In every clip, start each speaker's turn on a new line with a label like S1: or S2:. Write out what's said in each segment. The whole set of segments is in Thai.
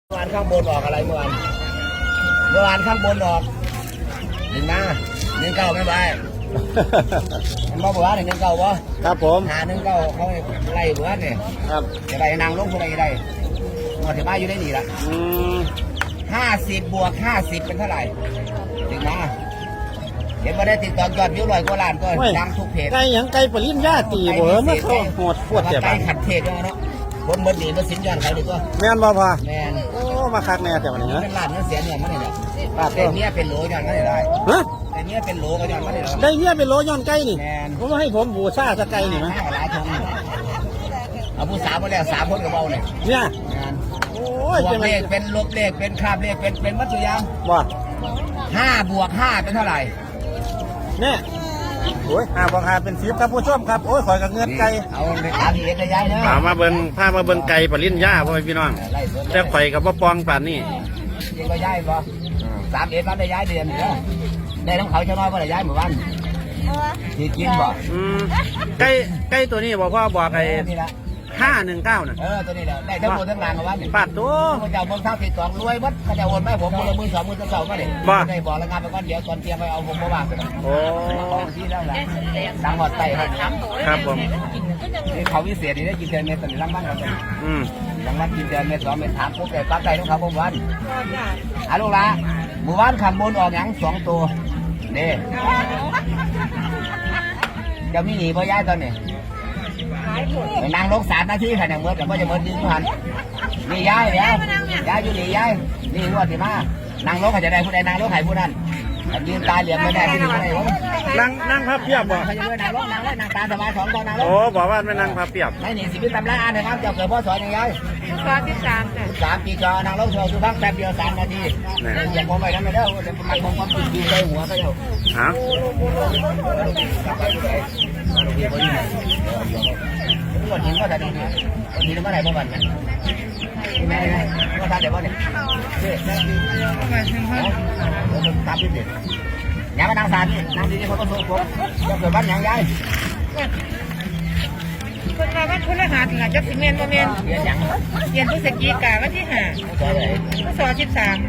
S1: เมื่อวานข้างบนออกอะไรเมื่อวานข้างบนออก1 เก้าไม่ไปมันบอกว่า1 เก้าวะ
S2: ครับผม
S1: 1 เก้าเขาไล่เบื่อเนี่ย
S2: ครับ
S1: จะไปนางลงคนใดได้หมดที่บ้านอยู่ได้หนีละ50 บวก 50เป็นเท่าไหร่ถึงมาเห็นว่าได้ติดต่อยอดวิว100 กว่าล้านก็ดังทุกเพจ
S2: ไก่ยังไก่ปริญญาตีบ่มาเข้าโหดปวดเจ็บ
S1: ไก่ขัดเทศเนาะคนเบิดหนีมาสินย้อนเขาดีกว่า
S2: แม่นบ่พ่อ
S1: แม่น
S2: โอ้มาคักแน่แต่วันนี้
S1: เป็นล้านเงินเสียเนี่ยมันเนี่ยแต่เนี้ยเป็นโหลย้อนก็ได้
S2: ฮะ
S1: แต่เนี้ยเป็นโหลก็ย้อนก็ได้
S2: ได้เนี้ยเป็นโหลย้อนไก่นี่ผมให้ผมบูชาสไก่นี่มั้ย
S1: หลายทงเอาผู้สาวมาแล้ว3 คนกับเบาเนี่ยโอ้ยเป็นลบเลขเป็นคาบเลขเป็นมัธยม
S2: ว่า
S1: 5 บวก 5เป็นเท่าไหร่
S2: เนี่ยโอ้ย5 บวก 5เป็น10ครับผู้ชมครับโอ้ยขอยกับเงินไก่
S1: เอาตามเอกย้ายเนาะ
S2: พามาเบิ่งไก่ปริญญาพ่อพี่น้องแต่ข่อยกับบ่ปองป่านนี้
S1: ยังก็ย้ายบ่3 เอ็ดวันได้ย้ายเดือนเนาะได้น้ำเขาเจ้าน้อยบ่ได้ย้ายหมู่บ้านที่กินบ่
S2: ไก่ตัวนี้บอกพ่อบอกไอ้519น่ะ
S1: ตัวนี้แหละได้ทั้งหมดทั้งงานกับวันนี่
S2: ปาดตัว
S1: พระเจ้าเมืองท่าติดต่อรวยวัดพระเจ้าโอนไม่ผมมือ 2 มือเสาก็เลยได้บอกแล้วงานไปก้อนเดียวตอนเตรียมไปเอาผมมาว่างกัน
S2: โอ้
S1: ที่แล้วแหละดังหอดไต
S2: ครับผม
S1: เขาวิเศษนี่ได้กินเดือนเมษายนรางวัลเรารางวัลกินเดือนเมษ2 เมษถามพวกแต่ปั๊บใจของเขาผมวันลูกละหมู่บ้านขับบนออกอย่าง2 ตัวนี่จะมีหนีพ่อย่าตอนนี้ไปนั่งลง3 นาทีค่ะเนี่ยเมื่อแต่ก็จะเมื่อดึงหันนี่ย้ายแล้วย้ายอยู่นี่ย้ายนี่งวดที่มานั่งลงเขาจะได้ผู้ใดนั่งลงใครผู้นั้นยืนตาเหลี่ยมไม่ได้ที่หนึ่งไม่ได้
S2: นั่งพับเพียบบ่
S1: เขาจะด้วยนั่งลงนั่งตาสบาย2 ตอนนั่งลง
S2: โอ้บอกว่าไม่นั่งพับเพียบ
S1: ไม่หนีสิบินตำราอ่านนะครับเจ้าเกิดพ่อสอนยังไง13 ปีจอนั่งลงโชว์ทุกพักแป๊บเดียว3 นาทีอย่างผมไปนั่นไม่ได้มันคงความติดใจหัวก็เดียว
S2: ฮะ
S1: วันนี้ก็ได้ดีวันนี้ก็ได้ประมาณนั้นแม่ก็ทำเดี๋ยววันนี้ตามที่เด็ดยังมานั่งสารนี่นั่งดีๆเขาก็โซ่ผมจะเกิดบ้านยังไง
S3: คนมาบ้านคนละหาถึงจะสิเมนโมเมน
S1: เรียนยัง
S3: เรียนพฤศจิกาวันที่5พศ13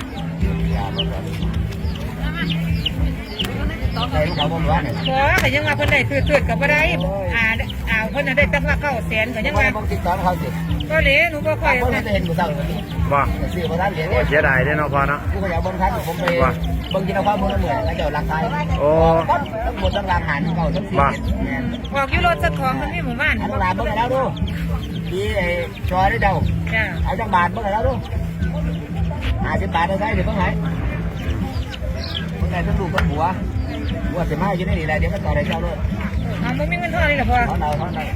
S1: ใช่ลูกเขาบอกว่าเนี่ย
S3: ก็ยังมาเพิ่นได้ตืดกับบ่ได้เพิ่นได้ตั้งว่า900,000ก็ยังมา
S1: ติดต่อเขาสิ
S3: ก็เลยหนูบ่ค่อย
S1: เห็นกูสั่งวันนี้
S2: บ่
S1: ซื้อมาได้เหรียญ
S2: เสียดายเด้เนาะพ่อเนาะ
S1: กูก็อยากบนคันผมไปบางทีเราความบนเหมือนแล้วเดี๋ยวรักไทย
S2: โอ้
S1: บนต้องรังหันเก่าทั้ง4
S3: บอกอยู่รถสักของมันมีหมู่บ้าน
S1: ต้องรังเบิ่งแล้วดูที่จอยได้เดาเอาจังบาทเบิ่งแล้วดู50 บาทได้เดี๋ยวเพิ่งหายเพิ่งได้ทั้งลูกทั้งหัวว่าจะมาอยู่ในนี่แหละเดี๋ยวก็ต่อได้เจ้าด้วย
S3: มันมีเงินเท่านี้หรอพ่อ
S1: เขา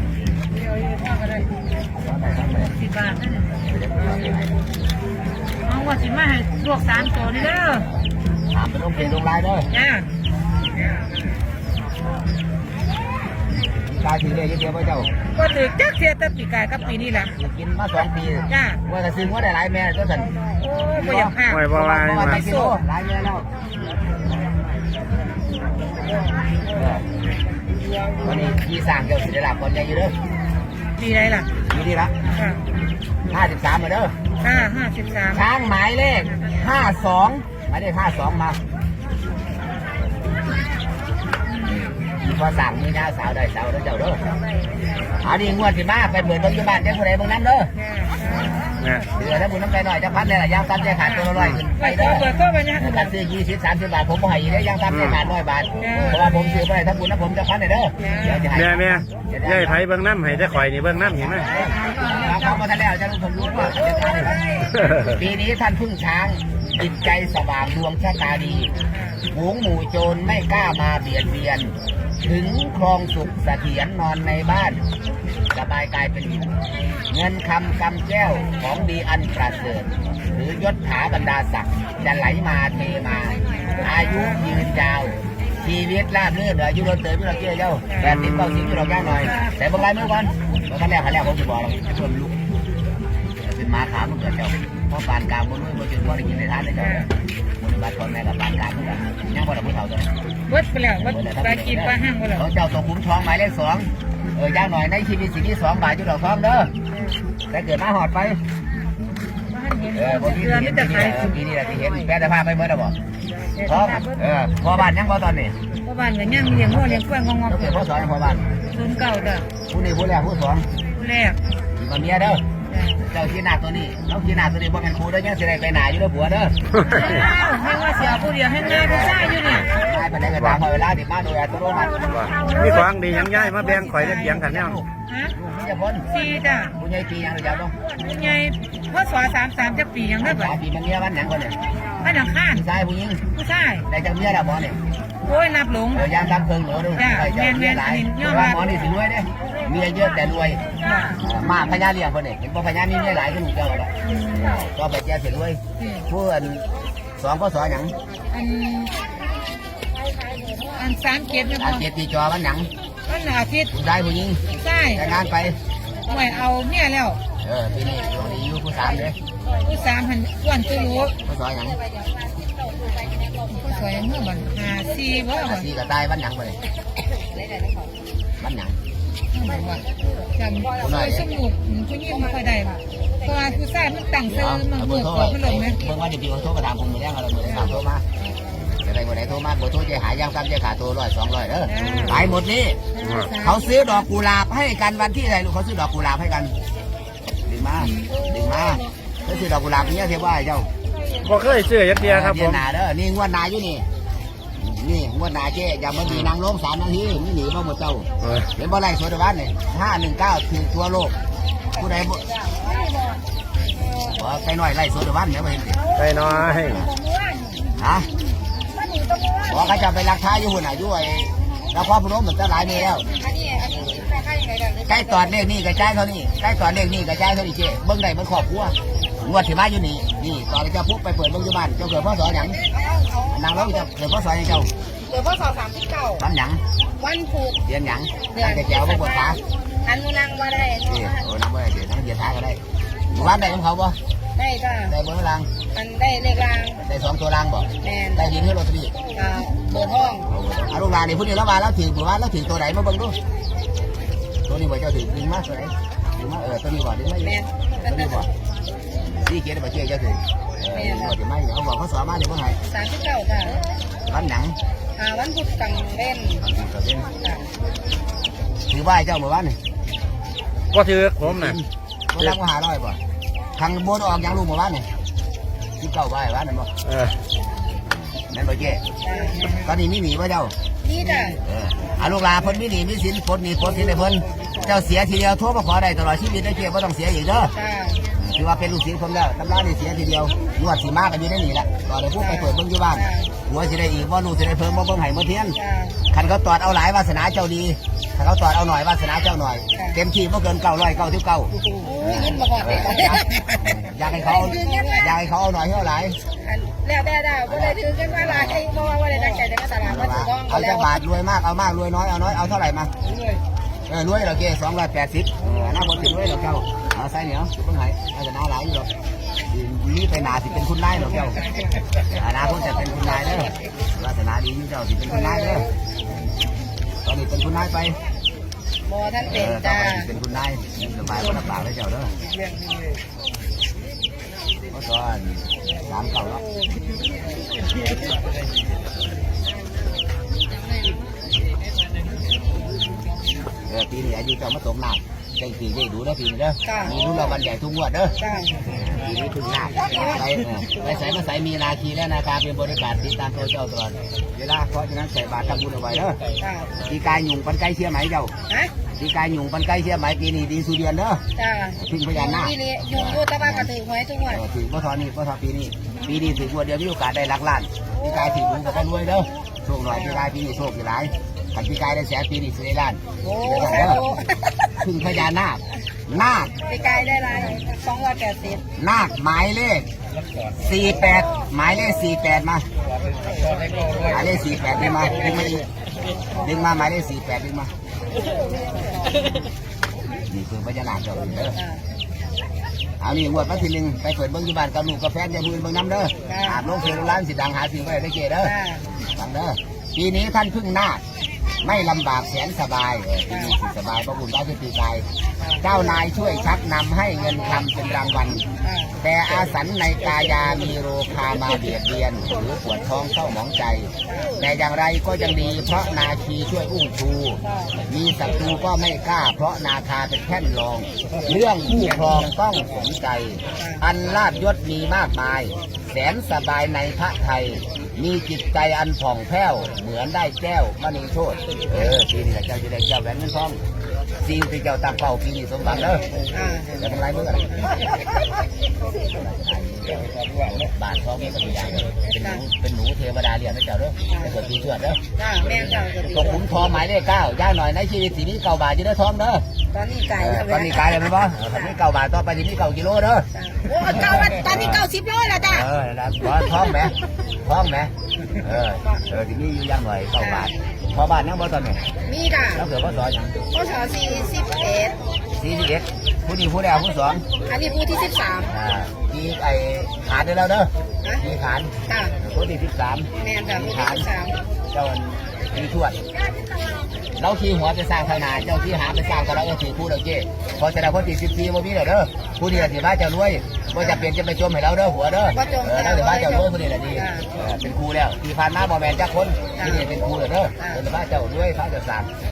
S3: 10 บาทเอาว่าสิมาให้ลวก3 ตัวนี่เด้อ
S1: ถามเป็นลงเพลงลงลายเด้อตายถือเลยเดียวไปเจ้า
S3: ก็ถือจักเสียแต่ปีกายกับปีนี้แหละ
S1: กินมา2 ปีว่าจะซื้อว่าได้หลายแม่ก็สั่น
S3: โอ้ไม่อยากห้า
S2: ไม่ว่า
S1: ไปกิโลหลายแม่แล้ววันนี้ที่สั่งเกี่ยวกับศิลปะคนใหญ่อยู่เด้อ
S3: ดีไรล่ะ
S1: ดีละ53มาเด้อ
S3: 53
S1: ช้างหมายเลข52หมายเลข52มาพอสั่งมีหน้าสาวได้สาวแล้วเจ้าเด้ออันนี้งวดที่มาเป็นเหมือนปัจจุบันเจ้าคนใดบางนั้นเด้อเดือดแล้วบุญน้ำใจหน่อยจะพัดเนี่ยแหละยางตามใจขาดตัวละ100ขึ้นไปเด้อการซื้อ20-30 บาทผมให้ได้ยางตามใจขาด100 บาทเพราะว่าผมซื้อไปถ้าบุญนะผมจะพัดเนี่ยเด้อ
S2: แม่ยายไผเบิ่งน้ำให้ได้ข่อยนี่เบิ่งน้ำเห็นไหม
S1: เขามาทันแล้วจะรู้ผมรู้ว่าจะทำปีนี้ท่านพึ่งช้างจิตใจสว่างดวงชะตาดีฝูงหมู่โจรไม่กล้ามาเบียดเบียนถึงครองสุขเสถียรนอนในบ้านสบายกายเป็นอยู่เงินคำกำแก้วของดีอันประเสริฐหรือยศถาบรรดาศักดิ์จะไหลมาเทมาอายุยืนยาวชีวิตราบรื่นอายุรนเติมไม่เราเกี่ยวเจ้าแต่ติดเบาสิ่งที่เราย่างหน่อยแต่บางรายเมื่อวันขั้นแรกผมจะบอกเราชวนลุกเป็นมาขามมันเกิดเจ้าเพราะปานกลางบนนู้นบนจุดว่าได้กินในท่านได้เจ้าบนบัตรคนแม่กับปานกลางเหมือนกันยังบ่ได้พูดเท่าตัว
S3: วัดไปแล้ววัดปลากินปลาห้างไปแล้ว
S1: เจ้าตัวคุ้มทองหมายเลข2ย่างหน่อยในชีวิตสิ่งที่2 บาทจุดดอกทองเด้อแต่เกิดมาหอดไป
S3: ให้มันเห็น
S1: บ่มี
S3: เดือนนี่จะขาย
S1: ปีนี้แหละที่เห็นแปรแต่ภาพไปเมื่อไหร่บ่พร้อมพอบ้านยังพอตอนนี้
S3: เพราะบ้านก็ยังเลี้ยงวัวเลี้ยงกล้วยงอก
S1: ก็คือพอสอนพอบ้าน
S3: ๆ09จ้ะ
S1: ผู้นี้ผู้แรกผู้สอง
S3: ผู้แรก
S1: มาเมียเด้อเจ้าขี้หน้าตัวนี้น้องขี้หน้าตัวนี้บ่เป็นครูเด้อยังสิได้ไปหน้าอยู่เด้อผัวเด้อ
S3: ให้ว่าเสียผู้เดียวให้งานผู้ชายอยู่นี่
S1: ได้ไปได้ก็ตามพอเวลาดิมาโดยอัตโนมัติ
S2: มีของดีหยังย้ายมาแบ่งข่อยได้เถียงกันเนี่ย
S3: ฮะ
S1: ลูกมันจะพ้น
S3: 4จ้ะ
S1: ผู้ใหญ่ปียังหรือเจ้าต้อง
S3: ผู้ใหญ่พศ33จักปียังได้บ่
S1: ปีมันเมียวันหยังคนเนี่ย
S3: บ้านหลังข้าน
S1: ชายผู้หญิง
S3: ผู้ชาย
S1: ได้จังเมียแล้วบ่เนี่ย
S3: โอ้ยนับหลง
S1: ยามทำเพิ่งหนูดูเมียหลายว่าหมอนี่สิรวยเด้เมียเยอะแต่รวยมาพญาเลี้ยงคนนี้เห็นบ่พญามีเมียหลายก็ลูกเจ้าแล้วก็ไปแจ้สิรวยผู้อันสองก็สอนหยัง
S3: อัน3เกียรตินะ
S1: อา
S3: พ่อ
S1: เกียรติจอวันหยัง
S3: วันอาทิตย์
S1: ผู้ชายผู้หญิง
S3: ผู้ชาย
S1: แต่งงานไป
S3: ห่วยเอาเมียแล้ว
S1: ปีนี้ดวงดีอยู่ผู้สามเลย
S3: ผู้สามหันอ้วนตัวรู้
S1: ผู้สอนหยัง
S3: ผู้สวยเมื่อวัน54บ่บ่
S1: สี่ก็ตายวันหยังไปวันหยัง
S3: จำสวยสมุกผู้หญิงไม่ค่อยได้เพราะว่าผู้ชายมันตั้งซื้อมัน
S1: เบ
S3: เบิ
S1: อร์
S3: ก
S1: โทร
S3: ขอพัดลมไหม
S1: เบอร์ว่าเดี๋ยวพี่คนโทรกระดามผมมือแรงอะไรมือแรงโทรมาจะได้คนไหนโทรมาเบอร์โทรจะหายยังซ้ำจะขาดโทร100 200เด้อไปหมดนี่เขาซื้อดอกกุหลาบให้กันวันที่ไหนลูกเขาซื้อดอกกุหลาบให้กันดึงมาเขาซื้อดอกกุหลาบเนี่ยเทียบว่าเจ้า
S2: บ่เคยซื้อยักเดียครับผม
S1: นาเด้อนี่งวดนาอยู่นี่งวดนาเจ๊อย่ามาดีนางล้ม3 นาทีนี่หนีมาหมดเจ้าเห็นบ่ไรสวนบ้านนี่519ถึงทั่วโลกผู้ใดบ่ไปหน่อยไล่สวนบ้านเนี่ยมาเห็นสิ
S2: ไปน้อย
S1: ฮะบอกเขาจะไปรักท้าอยู่หุ่นอายุไอ้เราพ่อพนมมันจะหลายเมแล้วใกล้ตอนเลขนี่กระจายเท่านี้ใกล้ตอนเลขนี่กระจายเท่านี้เจ๊เบิ้งได้มันขอบครัวงวดที่มาอยู่นี่ตอนเจ้าปุ๊บไปเปิดเบิ้งอยู่บ้านเจ้าเกิดพ่อสอนหยังนางเราจะเกิดพ่อสอนยังเจ้า
S3: เดี๋ยวพศ39
S1: วันหยัง
S3: วันผูก
S1: เดือนหยังแต่แก้วไม่ปวดขา
S3: อันนู้นนั่งว่าได้
S1: โอ้น้ำไม่ได้เดี๋ยวน้ำเดือดท้าก็ได้บ้านได้ของเขาบ่
S3: ได้จ้า
S1: ได้เบอร์ราง
S3: มันได้เลขราง
S1: ได้2 ตัวรางบ่
S3: แมน
S1: ได้ยินให้รถตี
S3: เบอร์ห้อง
S1: เอาลูกหลานนี่พูดนี่แล้วมาแล้วถึงว่าแล้วถึงตัวไหนมาเบิ่งดูตัวนี้บ่เจ้าถึงดึงมาตัวไหนดึงมาตัวนี้บ่ดึงมา
S3: แมน
S1: ตัวนี้บ่ที่เกียรติบ่เชื่อเจ้าถึงบ่ถึงไม่เขาบอกเขาสอนมาเดี๋ยวเมื่อไหร่
S3: 39จ้า
S1: วันหนัง
S3: วันพุธกลางเล่น
S1: ถือว่าเจ้าเมื่อวานนี่
S2: บ่ถือผมน่ะ
S1: บ่รับมา500บ่ทางบนออกยังลูกเมื่อวานนี่19ใบวานนั่นบ่ นั่นบ่เจ๊ตอนนี้มีหนีป่ะเจ้า
S3: นี่จ้า
S1: อาลูกหลานเพิ่นมีหนีมีสินพ้นหนีพ้นสินให้เพิ่นเจ้าเสียทีเดียวโทรมาขอได้ตลอดชีวิตได้เจ๊บ่ต้องเสียอีกเด้อ
S3: จ้า
S1: ถือว่าเป็นลูกศิษย์ผมแล้วตำรานี่เสียทีเดียวงวดสิมากันอยู่ในนี่แหละตอนนี้พูดไปเปิดเบิ่งอยู่บ้านหัวสิได้อีกบ่ลูกสิได้เพิ่มบ่เบิ่งให้บ่เทียน
S3: จ้า
S1: คันเขาตอดเอาหลายวาสนาเจ้าดีถ้าเขาตอดเอาหน่อยวาสนาเจ้าหน่อยเต็มที่บ่เกิน999
S3: ยิ้มมาก่อนเลย
S1: อยากให้เขาเอาหน่อยให้เอาหลาย
S3: แล้วได้ก็เลยถือกันว่าอะไรเพราะว่าได้ตั้งใจจะมาตลาดมาถือต้อง
S1: เอาจะบาทรวยมากเอามากรวยน้อยเอาน้อยเอาเท่าไหร่มาร วยเราเก280น่าบ่ถึงรวยเราเจ้าเอาใส่เหนียวเพิ่งให้อาจะน่าหลายอยู่หรอกนี่ไปหนาสิเป็นคุณนายหรอกเจ้าอนาคตจะเป็นคุณนายเด้อวาสนาดีอยู่เจ้าสิเป็นคุณนายเด้อตอนนี้เป็นคุณนายไป
S3: โมท่าน
S1: ต่
S3: เป็น
S1: อ
S3: จ้า
S1: ไปเป็นคุณนายสบายบ่ลำบากเลยเจ้าเด้อก็ตอน3 เก่าแล้วปีนี้อายุเจ้ามาตกหนักใจปีได้ดูได้ปีนี้เด้อมีรู้เราวันใหญ่ทุกงวดเด้อ
S3: จ้า
S1: ปีนี้ถึงหนักไปใส่มาใส่มีนาคีแล้วนะครับเป็นบริการติดตามตัวเจ้าตลอดเวลาเพราะฉะนั้นใส่บาตรทำบุญเอาไว้เด้อ
S3: จ้า
S1: ปีกายหยุ่งปันไก่เชี่ยไหมเจ้า
S3: ฮะ
S1: ปีกายหยุ่งปันไก่เชี่ยไหมปีนี้ดีสุดเดือนเด้อ
S3: จ้า
S1: พึ่งพญานาค
S3: นี่เลยอยู่ตะวันกระถือหวยทุกวัน
S1: ถึงพ่อทอนี่พ่อทอปีนี้ถึงงวดเดียวมีโอกาสได้หลักล้านปีกายถึงมันก็ได้รวยเด้อโชคหน่อยปีกายปีนี้โชคหลายขันปีกายได้แสนปีนี้สิได้ล้าน
S3: โอ้
S1: เด้อพึ่งพญานาคนาค
S3: ไปไกลได้ไร280
S1: นาคหมายเลข48หมายเลข48มาหมายเลข48ดึงมาดึงมาหมายเลข48ดึงมานี่คือพญานาคเจ้าเด้อเอานี่งวดมาทีนึงไปเปิดเบิ้งที่บ้านกับลูกกับแฟนอย่าพูดเบิ้งน้ำเด้ออาบลงเฟซร้านสิดังหาสิ่งไว้ได้เกเด้อฟังเด้อปีนี้ท่านพึ่งนาคไม่ลำบากแสนสบายปีนี้สิสบายเพราะบุญได้ที่ปีกายเจ้านายช่วยชักนำให้เงินคำเป็นรางวัลแต่อาสันในกายามีโรคามาเบียดเบียนหรือปวดท้องเศร้าหมองใจ แต่อย่างไรก็ยังดีเพราะนาคีช่วยอุ้มชู มีศัตรูก็ไม่กล้าเพราะนาคาเป็นแท่นรอง เรื่องคู่ครองต้องสนใจ อันลาบยศมีมากมาย แสนสบายในพระไทย มีจิตใจอันผ่องแผ้วเหมือนได้แก้วมณีโชตปีนี้เจ้าจะได้แก้วแหวนเงินทองสิ่งที่เจ้าตั้งเป้าปีนี้สมหวังเด้อจะทำไรเมื่อไหร่บาทท้องนี่ก็ตัวอย่างเป็นหนูเทวดาเรียนนะเจ้าเด้อแต่เกิดปีเชื่อเด้อตกขุมทองหมายเลข9ย่าหน่อยในชีวิตสีนี้9 บาทจะได้ทองเด้อตอนนี้ไก่เลยไหมบ่ตอนนี้9 บาทต่อไปจะมี9 กิโลเด้อ
S3: โอ้ตอนนี้90 โลแล้วจ้ะ
S1: แล้วท้องไหมทีนี้อยู่ย่างหน่อย9 บาทพอบาทนั่งบ่ตอนนี้
S3: มีค่ะ
S1: แล้วเกิดพ่อสอนยัง
S3: พ่อสอน41
S1: ผู้นี้ผู้แรกผู้สอง
S3: อันนี้ผู้ที่
S1: มีไอ้ขานได้แล้วเด้อมีขานผู้ที่13
S3: แม่นจ้ะผู้ที่13
S1: เจ้ามีทวดเราขี่หัวไปสร้างทางนาเจ้าขี่หาไปสร้างก็เราขี่คู่เราเจ้พอจะได้คนที่14บ่มีเด้อผู้นี้สิบ้าเจ้ารวยบ่จะเปลี่ยนจะไปจมให้เราเด้อหัวเด้อแล้วสิบ้าเจ้ารวยผู้นี้แหละดีเป็นครูแล้วที่ผ่านมาบ่แม่นจักคนที่นี่เป็นครูเด้อเป็นบ้าเจ้ารวยพระเจ้าสร้าง